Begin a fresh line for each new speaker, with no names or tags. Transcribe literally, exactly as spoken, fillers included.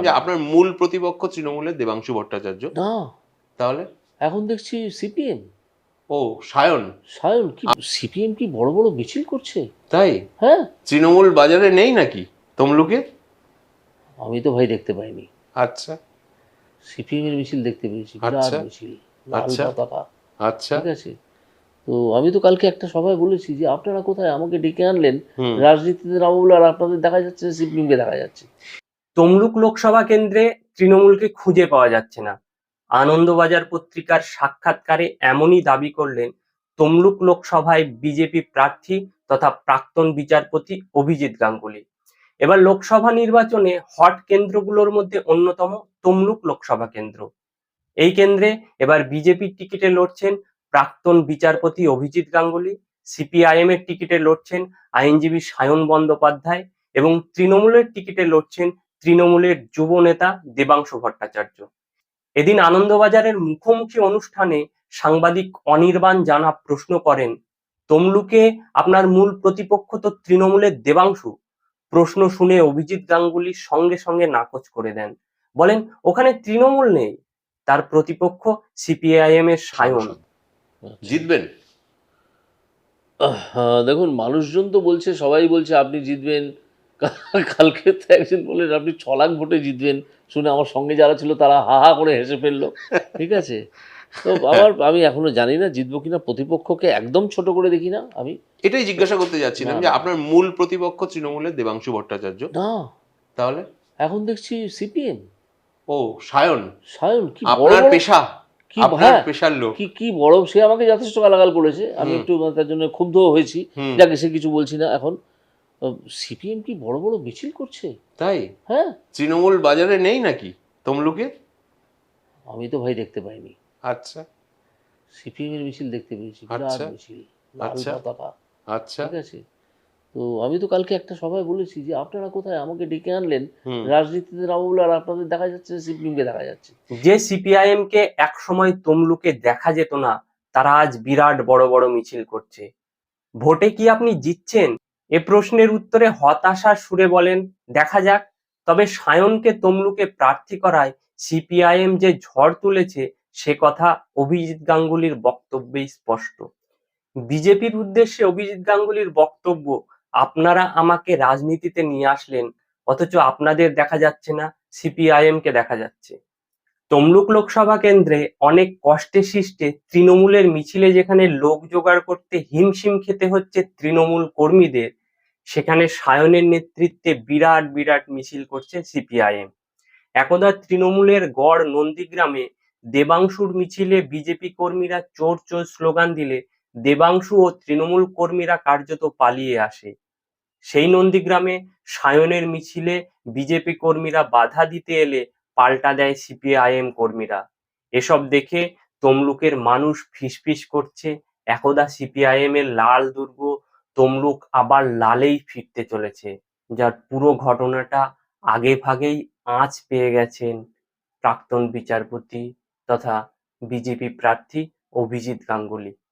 যে আপনার মূল প্রতিপক্ষ তৃণমূলের দেবাংশু ভট্টাচার্য।
না,
তাহলে
এখন দেখছি সিপিএম।
ও সায়ন
সায়ন কি সিপিএম কি বড় বড় মিছিল করছে?
তাই?
হ্যাঁ,
তৃণমূল বাজারে নেই নাকি তমলুকে?
আমি তো ভাই দেখতে পাইনি।
আচ্ছা
সিপিএম এর মিছিল দেখতে পেয়েছি, বিরাট
আচ্ছা
মিছিল, লাল
আচ্ছা
পতাকা।
আচ্ছা
ঠিক আছে, তো আমি তো কালকে একটা সভায় বলেছি যে আপনারা কোথায়, আমাকে ডেকে আনলেন
হুম
রাজনীতিতে নামো বলে, আর আপনাদের দেখা যাচ্ছে সিপিএমকে দেখা যাচ্ছে।
তমলুক লোকসভা কেন্দ্রে তৃণমূলকে খুঁজে পাওয়া যাচ্ছে না। আনন্দবাজার পত্রিকার সাক্ষাৎকারে এমনই দাবি করলেন তমলুক লোকসভায় বিজেপি প্রার্থী তথা প্রাক্তন বিচারপতি অভিজিৎ গাঙ্গুলি। এবার লোকসভা নির্বাচনে হট কেন্দ্রগুলোর মধ্যে অন্যতম তমলুক লোকসভা কেন্দ্র। এই কেন্দ্রে এবার বিজেপির টিকিটে লড়ছেন প্রাক্তন বিচারপতি অভিজিৎ গাঙ্গুলি, সিপিআইএম এর টিকিটে লড়ছেন আইনজীবী সায়ন বন্দ্যোপাধ্যায় এবং তৃণমূলের টিকিটে লড়ছেন তৃণমূলের যুব নেতা দেবাংশু ভট্টাচার্য। এদিন আনন্দবাজারের মুখোমুখি অনুষ্ঠানে সাংবাদিক অনির্বাণ জানা প্রশ্ন করেন, তমলুকে আপনার মূল প্রতিপক্ষ তো তৃণমূলের দেবাংশু। প্রশ্ন শুনে অভিজিৎ গাঙ্গুলি সঙ্গে সঙ্গে নাকচ করে দেন, বলেন ওখানে তৃণমূল নেই, তার প্রতিপক্ষ সিপিআইএম এর সায়ন।
জিতবেন?
আহ, দেখুন, মানুষজন তো বলছে, সবাই বলছে আপনি জিতবেন। কা- কালকে তো একজন বললেন আপনি ছ লাখ ভোটে জিতবেন, শুনে আমার সঙ্গে যারা ছিল তারা হা হা করে হেসে ফেললো। ঠিক আছে, তো আমার আমি এখনো জানি না জিতবো কিনা, প্রতিপক্ষকে একদম ছোট করে দেখি না আমি।
এটাই জিজ্ঞাসা করতে যাচ্ছিলাম
না,
যে
না।
আপনার মূল প্রতিপক্ষ তৃণমূলের দেবাংশু ভট্টাচার্য।
না,
তাহলে
এখন দেখছি সিপিএম।
ও সায়ন
সায়ন কি বড়
আপনার
বড়
পেশা,
কি,
আপনার
হ্যাঁ,
পেশার লোক।
কি কি বড়, সে আমাকে যথেষ্ট গালাগাল করেছে, আমি
হুম।
একটু মানে তার জন্য ক্ষুব্ধ হয়েছি।
হুম।
যাকে, সে কিছু বলছি না এখন। সিপিএম কি বড় বড় মিছিল করছে?
তাই?
হ্যাঁ,
তৃণমূল বাজারে নেই নাকি তমলুকে?
আমি তো ভাই দেখতে পাইনি।
আচ্ছা
সিপিএম এর মিছিল দেখতে পেয়েছি, বিরাট
আচ্ছা
মিছিল, লাল
আচ্ছা
পতাকা।
আচ্ছা
ঠিক আছে, তো আমি তো কালকে একটা সভায় বলেছি যে আপনারা কোথায়, আমাকে ডেকে আনলেন
হুম
রাজনীতিতে নামো বলে, আর আপনাদের দেখা যাচ্ছে সিপিএমকে দেখা যাচ্ছে।
যে সিপিআইএম কে একসময় তমলুকে দেখা যেত না, তারা আজ বিরাট বড় বড় মিছিল করছে। ভোটে কি আপনি জিতছেন? এ প্রশ্নের উত্তরে হতাশার সুরে বলেন, দেখা যাক। তবে সায়নকে তমলুকে প্রার্থী করায় সিপিআইএম যে ঝড় তুলেছে সে কথা অভিজিৎ গাঙ্গুলির বক্তব্যেই স্পষ্ট। বিজেপির উদ্দেশ্যে অভিজিৎ গাঙ্গুলির বক্তব্য, আপনারা আমাকে রাজনীতিতে নিয়ে আসলেন, অথচ আপনাদের দেখা যাচ্ছে না, সিপিআইএম কে দেখা যাচ্ছে। তমলুক লোকসভা কেন্দ্রে অনেক কষ্টে সৃষ্টে তৃণমূলের মিছিলে যেখানে লোক জোগাড় করতে হিমশিম খেতে হচ্ছে তৃণমূল কর্মীদের, সেখানে সায়নের নেতৃত্বে বিরাট বিরাট মিছিল করছে সিপিআইএম। একদা তৃণমূলের গড় নন্দীগ্রামে দেবাংশুর মিছিলে বিজেপি কর্মীরা চোর চোর স্লোগান দিলে দেবাংশু ও তৃণমূল কর্মীরা কার্যত পালিয়ে আসে। সেই নন্দীগ্রামে সায়নের মিছিলে বিজেপি কর্মীরা বাধা দিতে এলে পাল্টা দেয় সিপিআইএম কর্মীরা। এসব দেখে তমলুকের মানুষ ফিসফিস করছে, একদা সিপিআইএম এর লাল দুর্গ তমলুক আবার লালেই ফিরতে চলেছে। যার পুরো ঘটনাটা আগে ভাগেই আঁচ পেয়ে গেছেন প্রাক্তন বিচারপতি তথা বিজেপি প্রার্থী অভিজিৎ গাঙ্গুলি।